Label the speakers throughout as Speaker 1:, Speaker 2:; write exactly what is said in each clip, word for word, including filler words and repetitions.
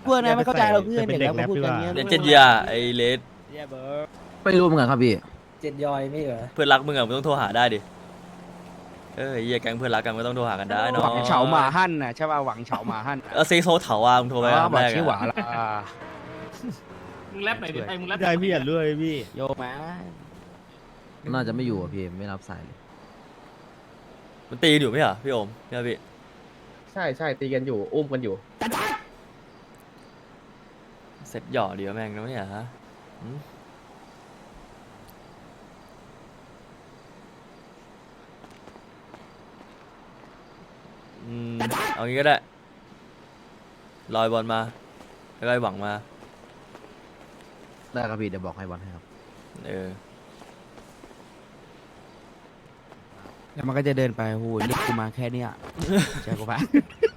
Speaker 1: กลัวนะไม่เข้าใจเราเพื่อนอย่างแล้วพูดกันเงี้ย
Speaker 2: เดี๋ยวเจ็ดยาไอ้เลส
Speaker 3: ไม่รู้เหมือนกันครับพี่
Speaker 4: เจ็ดยอยไม่เหรอ
Speaker 2: เพื่อนรักมึงอะมึงต้องโทรหาได้ดิเออเหี้ยแก๊งเพื่อนรักกันก็ต้องโทรหากันได้เนาะ
Speaker 1: หวังเฉาหมาหั่นน่ะใช่ป่ะหวังเฉาหมาหั่น
Speaker 2: เออซีโซเถาอ่ะมึงโทรไป
Speaker 1: อ๋อ
Speaker 2: ครั้ง
Speaker 1: บอก
Speaker 2: แรก
Speaker 1: ชื่อหวา
Speaker 2: อะ
Speaker 1: ละ
Speaker 5: มึงแรปไหนอยดิไอ้มึงแรป
Speaker 6: ได้พี่อย่าเลื่อยพี่
Speaker 1: โยมา
Speaker 3: น่าจะไม่อยู่อ่ะพี่ไม่รับสายเลย
Speaker 2: มันตีกันอยู่ไหมเหรอพี่โอมเนี่ยพี่
Speaker 7: ใช่ใช่ตีกันอยู่อุ้มกันอยู่
Speaker 2: เสร็จหย่อเดียวแม่งแล้วเนี่ยฮะหืมอืมเอางี้ก็ได้ลอยบอลมาแล้วก็ไอ้หวังมา
Speaker 3: ได้ครับพี่เดี๋ยวบอกให้บอลให้ครับ
Speaker 2: เออ
Speaker 1: แล้วมันก็จะเดินไปโหเรียกกูมาแค่เนี้ยใช่กูปะ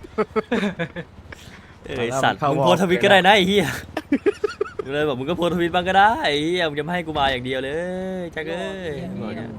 Speaker 2: เออไอ้สัตว์
Speaker 1: เข้า
Speaker 2: มึง
Speaker 1: วอล
Speaker 2: โพสต์ทวิตก็ได้นะไอ้เหี้ยกูเลยบอกมึงก็โพสต์ทวิตบ้างก็ได้ไอ้เหี้ยมึงจะไม่ให้กูมาอย่างเดียวเลยจักเอ้ยบอกเนี่ย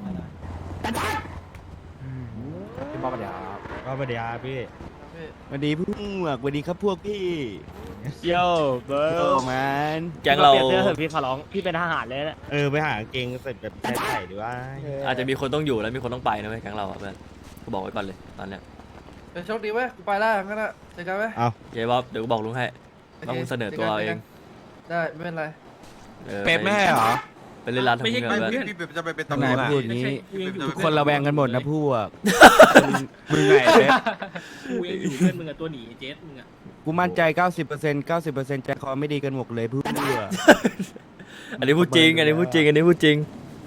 Speaker 1: พี่บอกเดี๋ยว
Speaker 6: ก็ประเดี๋ยวพี่
Speaker 1: สวัสดีพวกสวัสดีครับพวกพี่
Speaker 6: โย่เบิ
Speaker 1: โอ้
Speaker 6: ร์
Speaker 1: แมน
Speaker 2: แก๊งเรา
Speaker 5: เปลี่ยนเสื้อเถอะพี่ขอร้องพี่เป็นทหารเลยนะ
Speaker 6: เออไปหากางเกงใส่แบบใส่ใส่ดีว่า
Speaker 2: อาจจะมีคนต้องอยู่แล้วมีคนต้องไปนะเว้ยแก๊งเราอะเพื่อนกูบอกไว้ก่อนเลยตอนเนี้ย
Speaker 4: โชคดีเว้ยกูไปแล้วงั้นอะเจอกันไหม
Speaker 2: เย้บ๊อบเดี๋ยวกูบอกลุงให้ต้องมึงเสนอตัวเอาเอง
Speaker 4: ได้ไม่เป็นไร
Speaker 2: ออ
Speaker 1: เป๊ปไม่ให้เหรอ
Speaker 2: ไปเล่นร้านทำเงิน
Speaker 5: ไม่
Speaker 2: เพื่
Speaker 5: ใช่
Speaker 2: อน
Speaker 5: เพื่อน
Speaker 8: พี่จะไปเป็น
Speaker 1: ทำ
Speaker 8: ตำ
Speaker 1: ไม
Speaker 8: รวจ
Speaker 1: พูดอย่างนี้
Speaker 5: กูยังอยู่
Speaker 1: ทุกคนระแวงกันหมดนะพวกมึงไงเป๊ป
Speaker 5: กูยังอยู่เพื่อนมึงอะตัวหนีเจสมึงอะ
Speaker 1: กูมั่นใจ เก้าสิบเปอร์เซ็นต์ เก้าสิบเปอร์เซ็นต์ใจคอไม่ดีกันหมดเลยเพื่อน
Speaker 2: อันนี้พูดจริงอันนี้พูดจริงอันนี้พูดจริง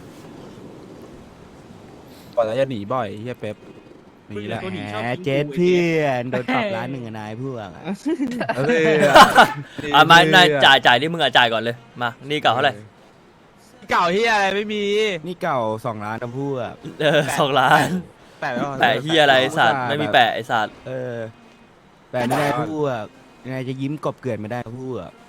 Speaker 1: ก่อนแล้วจะหนีบ่อยเฮียเป๊ปหนีแหละแหมเจ็ดเพื่อนโดนปรับร้านหนึ่งอะนายพวกอะเออ
Speaker 2: อ่ะมานายจ่ายจ่ายนี่มึงอ่ะจ่ายก่อนเลยมานี่เก่าเท่าไหร่
Speaker 1: เก่าเฮียอะไรไม่มี นี่เก่าสองล้านนะพวก
Speaker 2: เออสองล้าน
Speaker 1: แปะไว้ก่อน
Speaker 2: แปะเฮียอะไรไอ้สัตว์ไม่มีแปะไอ้สัตว์
Speaker 1: เออแปะไม่ได้พวกยังไงจะยิ้มกบเกลื่อนไม่ได้พวก